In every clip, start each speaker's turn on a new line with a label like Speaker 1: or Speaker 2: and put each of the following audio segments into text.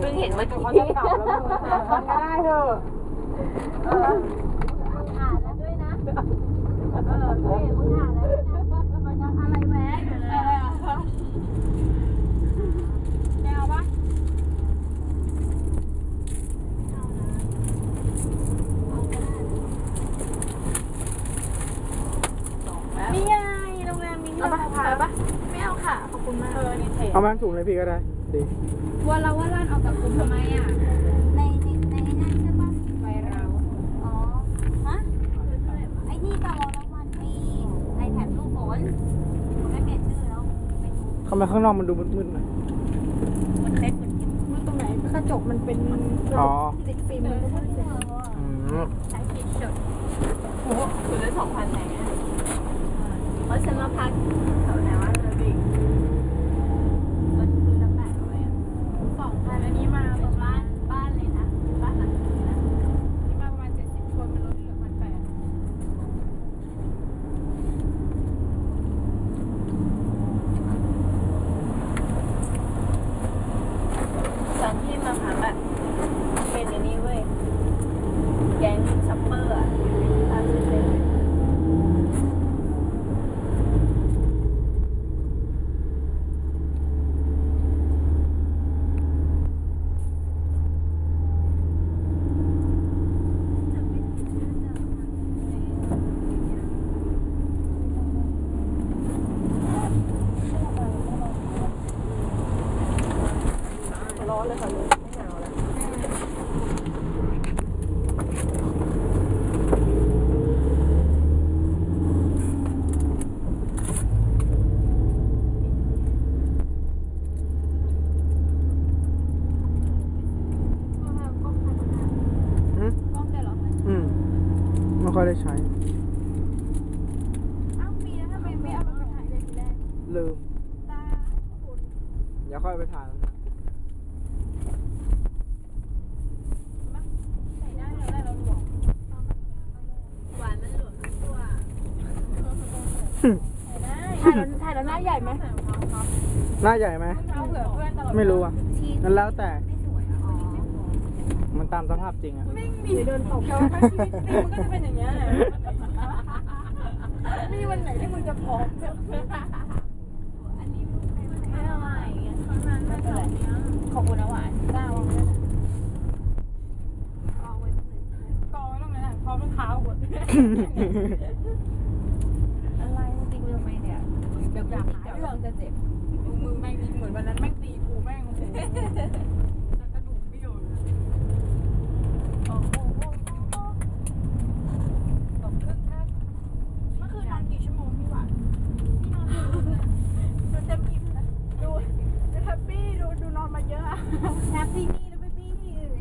Speaker 1: พิ่งเห็นเมื่อกี้
Speaker 2: เขาจะกลับแล้วมันก็ได้เถอะ
Speaker 3: อ่านแล้วด้วยนะมึงอ่านแล้วด้วยนะมันยังอะไรแวะอยู่เลย
Speaker 2: แมวปะนี่ไงโรงแรมมินท์เอาปะไม่เอาค่ะขอบคุณมากนี่เท
Speaker 4: เอามาถุงเลยพี่ก็ได้ดี
Speaker 2: ว่าร้านออกจากกลุ่มทำไมอ่ะ
Speaker 3: ในนั่นใช่ปะ
Speaker 2: ไปเรา
Speaker 3: อ๋อฮะไอ้นี่ตลอดแล้วมันมีไอแพดรูปฝนมันไม่เปลี่ยนชื่อแล้วเป็น
Speaker 4: ทำไมข้างนอกมันดูมืดๆหน่อย
Speaker 3: มันเล็ก
Speaker 2: มัน
Speaker 3: เหมือนกัน
Speaker 2: ตรงไหนกระจกมันเป็น
Speaker 4: อ๋อ
Speaker 2: ติดฟิล์มมันก็มืดเลย
Speaker 3: ใช้ฟิล์มเฉย
Speaker 1: โอ้โหคุณได้2,000ไหนเพราะฉันมาพักแถวไหนวะเธอบิ๊กมันคือน้ำแปะเอาไว้อะ
Speaker 2: 2,000อันนี้มาประมาณ
Speaker 1: บ้านเลยนะบ้านหลังนี้นะ
Speaker 2: นี่มาประมาณ70 คนมันลดเหลือ1,800
Speaker 1: ตอนที่มาพักอะเป็นอันนี้เว้ยแก๊งช็อปเปอร์อะตามชื่อเลยร้อนเลยค่ะลุงไม่หนาวแล้ว
Speaker 4: ไม่ค่อยได้ใช้
Speaker 2: อ้าวมีแล้วทำไมไม่เอามาถ่ายเลยทีแรก
Speaker 4: ลืม
Speaker 2: ตาคุณ
Speaker 4: เดี๋ยวค่อยไปถ่ายแล้วนะ
Speaker 2: ใส่ได้แล้วได้เราหลวม
Speaker 1: หวานมันหลวมทั้งตัว
Speaker 2: ถ่ายแล้วหน้าใหญ่ไหม
Speaker 4: หน้าใหญ่ไหม
Speaker 2: เท้าเผื่อเพื่อนตลอด
Speaker 4: ไม่รู้อ่ะนั่นแล้วแต่
Speaker 3: ไม่สวยอ๋อ
Speaker 4: มันตามสภาพจริงอ่ะ
Speaker 2: ไม่มีเดินตกแต่ว่าถ้าชีวิตจริงมันก็จะเป็นอย่างเงี้ยแหละมีวันไหนที่มึงจะพร้อม
Speaker 3: อันนี้ไม่อร่อยข้างนั้นไม่อร่อย
Speaker 2: ขอบคุณนะหวานจ้าวางไว้นะกองไว้ตรงนั้นแหละพร้อมรองเท้าหมด
Speaker 3: อะไรตีกูทำไมเนี่ย
Speaker 2: เดี๋ยวอยากหาเรื่องจะเจ็บมือแม่งเหมือนวันนั้นแม่งตีกูแม่งโอ้โหกระดูกเบี้ยวเลยโอ้โหตกครึ่งท่าเมื่อคืนนอนกี่ชั่วโมงพี่หวานพี่นอนดูเต็มอิ่มนะดูแฮปปี้ดูนอนมาเยอะอะแฮปปี้นี่แล้วไม่ปี้ที่อื่น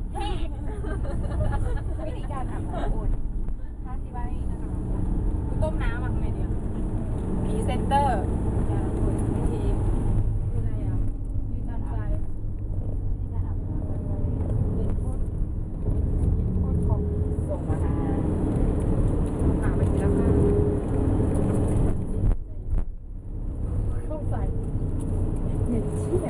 Speaker 2: วิธีการอาบน้ำอุ่นถ้าที่บ้านนี่นะคะกูต้มน้ำมาทำไงดีอะพรีเซนเตอร์วิธีคืออะไรอ่ะยืนตามใจที่การอาบน้ำเด่นโคตรของส่งมาหาไปทีละข้างเข้าใส่เห็นเชี่ย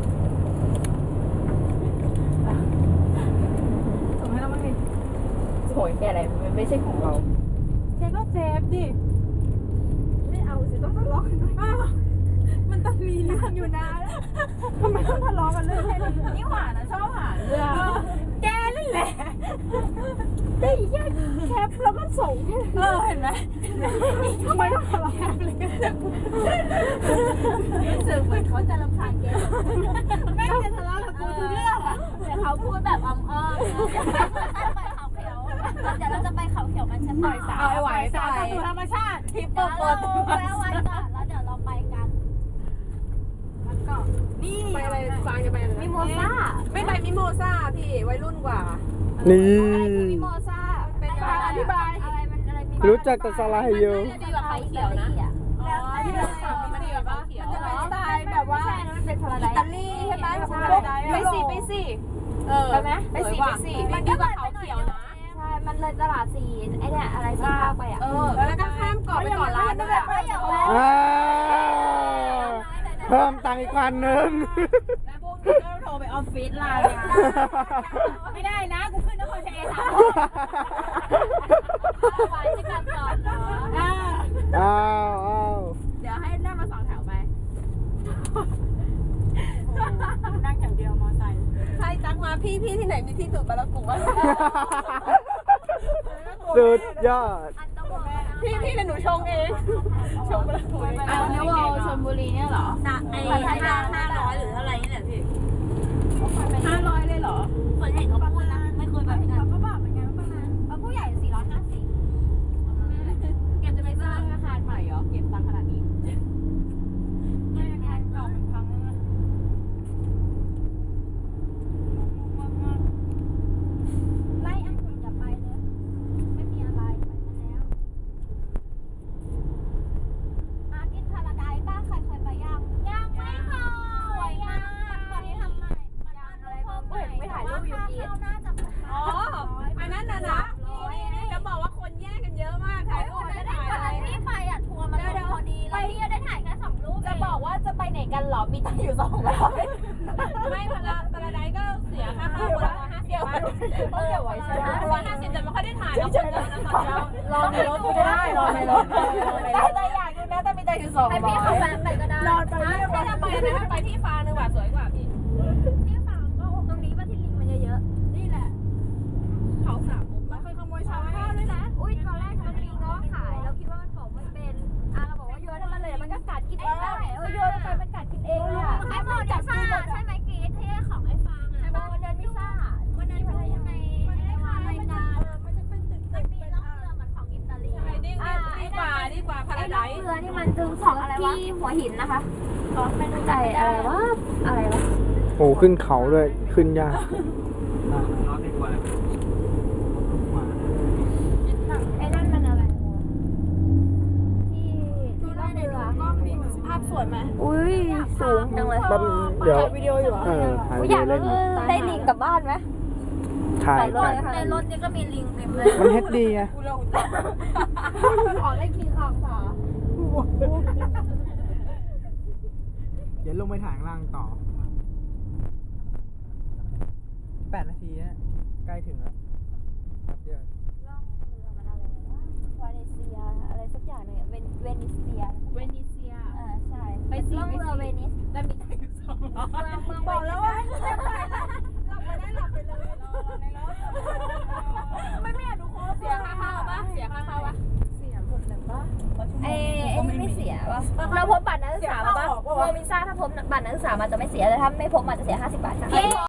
Speaker 2: ส่งให้เราบ้างดิ
Speaker 1: โหยแกอะไรมันไม่ใช่ของเรา
Speaker 2: แกก็เซฟดิ ไม่เอาสิต้องทะเลาะกันด้วยมันต้องมีเรื่องอยู่นะทำไมต้องทะเลาะกันเรื่องแค่นี้
Speaker 1: นี่หวานนะชอบหวานเลย
Speaker 2: แกนั่นแหละได้แยกแคปแล้วก็ส่งเห็นไหมทำไมต้องทะเลาะกันเลย
Speaker 1: รู้สึกเหมือนเขาจะรำคาญแก
Speaker 2: แม่งจะทะเลาะกับกูทุกเรื่องอะ
Speaker 3: แต่เขาพูดแบบอ้อมๆไปเขาเขียวเดี๋ยวเราจะไปเขาเขียวกันใช่ไหม
Speaker 2: เอาไว้สายสู่ธรรมชาติทิปเปอร์ปด
Speaker 3: แวะไว้ก่อนแล้วเดี๋ยวเราไปกัน
Speaker 2: มันก็นี่ไปอะไรฟางจะไปอะไร
Speaker 3: มิโมซ่า
Speaker 1: ไม่ไปมิโมซ่าพี่วัยรุ่นกว่า
Speaker 4: นี่
Speaker 3: มิโมซ่า
Speaker 2: เป็นการอธิบาย
Speaker 3: อะไรมันอะไรมี
Speaker 4: รู้จักแต่สลายอยู่
Speaker 3: ดีกว่าเขาเขียวนะ
Speaker 2: แล้วที่เราถามมันดีแบบว่ามันจะเป็นสไตล์แบบว่า
Speaker 3: มันเป็นพาราได
Speaker 2: อิตาลีใช่ไหมแบบไปสิไปไหมไปสิ
Speaker 3: มันก็เลยเขาเขียวนะใช่มันเลยตลาดซีนไอเนี่ยอะไรที่ภาคไปอ่ะ
Speaker 2: แล้วก็ข้ามเกาะไปเกาะล้านด้วย
Speaker 3: ไม่อยากแวะ
Speaker 4: อ่าเพิ่มตังค์อีกพันหนึ่ง
Speaker 1: แล้วพวกนี้ก็โทรไปอออฟฟิศเรา
Speaker 2: ไม่ได้นะกูขึ้นนครชัยศรี
Speaker 3: ไว้ที่การจอดเนาะ
Speaker 4: อ้าว
Speaker 1: เดี๋ยวให้นั่งมา2 แถวไป
Speaker 2: นั่งแถวเดียวมอไซค์
Speaker 1: ใช่จังมาพี่ที่ไหนมีที่สูบปะละกูวะ
Speaker 4: สุดยอด
Speaker 3: อันตะวัน
Speaker 1: พี่เดี๋ยวหนูชงเองชงปะละกูเอาเนวอลชลบุรีเนี่ยเหรอไอ้500หรืออะไรนี่แหละพี่500เลยเหรอส่วนใหญ่เขาพูดนะไม่เคยแบบนั้น
Speaker 2: ก็บอกเหมือนกันว่าประมาณ
Speaker 3: ผู้ใหญ่450
Speaker 1: เก็บจะไปสร้างอาคารใหม่เหรอเก็บตังค์ขนาดนี้
Speaker 2: ไม่งานเก่ามันพังแล้วนะ
Speaker 3: ไล่อันขุนอย่าไปเลย ไม่มีอะไรไปมาแล้วอาร์กินพาราไดซ์บ้างใครเคยไปยังไม่เคยสวยมากวันนี้ทำใหม่มันอะไรเพิ่มใหม่ไม่ถ่ายรูปอยู่ดีน่าจะ
Speaker 1: อ๋ออันนั้นน่ะนะจะบอกว่าคนแย่งกันเยอะมากถ่ายรูปไม่ได้ถ่ายอะไร
Speaker 3: ที่ไปอ่ะทัวร์มันลงพอดีแล้วพี่ก็ได้ถ่ายแค่2 รูป
Speaker 1: จะบอกว่าจะไปไหนกันเหรอมีตังค์อยู่200ไม่พาราไดซ์ก็เสียค่าเข้าคนละ150 บาทเขาเก็บไว้ใช่ไหม150แต่ไม่ค่อยได้ถ่ายแล้วคนเดียวนะคะรอในรถก็ได้รอในรถแต่อยากดูนะแต่มีตังค์อยู่200
Speaker 3: ให้พี่เขาแวะไปก็ได้
Speaker 1: รอไปไม่ได้ไปนะไปที่ฟานึงว่ะสวยกว่าพี่
Speaker 3: ที่ฝั่งก็ตรงนี้ว่าที่ลิงมันเยอะๆนี่แหละ
Speaker 1: เขาสามมุมแล้วเคยขโมยชาวบ้านด้วยนะ
Speaker 3: อุ้ยตอนแรกมันมีง้อขายเราคิดว่ามันบอกไม่เป็นเราบอกว่าโยนให้มันเลยมันก็กัดกินเองได้โยนไปมันกัดกินเองเลยอ่ะไอ้โมเดลซ่าใช่ไหมกีดที่ของไอ้ฟางอ่ะวันนั้นไม่ซ่าวันนั้นพูดยังไงในรายการมันจะเป็นตึกมันมีล่องเรือเหมือนของอิตาลี
Speaker 1: ดีกว่าพา
Speaker 3: ไอ้
Speaker 1: รา
Speaker 3: ล่
Speaker 1: ได
Speaker 3: อง
Speaker 1: ซ์
Speaker 3: เรือนี่มันจึงของที่หัวหินนะคะไม่รู้ใจอะไรวะอะไรวะ
Speaker 4: โอ้ขึ้นเขาด้วยขึ้นยาก
Speaker 3: ไอ้นั่นมันอะไรที่ล่องเรือ
Speaker 1: ภาพสวยไหม
Speaker 3: อุ้ยสูงจังเลย
Speaker 4: แป๊บเดี๋ยว
Speaker 1: วิดีโออยู่อ่ะ
Speaker 4: ถ่าย
Speaker 3: อ
Speaker 4: วิ
Speaker 3: ยาก
Speaker 4: ดีโอเล่น
Speaker 3: ได้ลิงกลับบ้านไหม
Speaker 4: ถ่าย
Speaker 3: ในรถนี่ก็มีลิงเต็มเลย
Speaker 4: มันเฮ็ดดีไง
Speaker 3: ขอเล่นคิงคองค่ะ
Speaker 4: เดี๋ยวลงไปถ่ายข้างล่างต่อ 8 นาทีนะใกล้ถึงแล้วครับเดี๋ยว
Speaker 3: ล่องเรือมันอะไรวะวาเลเซียอะไรสักอย่างหนึ่งเวนิเซีย
Speaker 1: เวนิเซีย
Speaker 3: ใช่
Speaker 1: ไปสิ
Speaker 3: ล่องเรือเวนิส
Speaker 1: แต่มีตังค์อยู่200บอกแล้วว่าหลับไปได้หลับไปเลยรอในรถไม่อยากดูโค้ชเสียค่าเข้าปะเสียค่าเข้าปะเสียหมดเลยปะ
Speaker 3: ไอ้นี่ไม่เสียป่ะเราพบบัตรนักศึกษามาป่ะโมมิซ่าถ้าพบบัตรนักศึกษามาจะไม่เสียแต่ถ้าไม่พบมาจะเสีย50 บาทค่ะ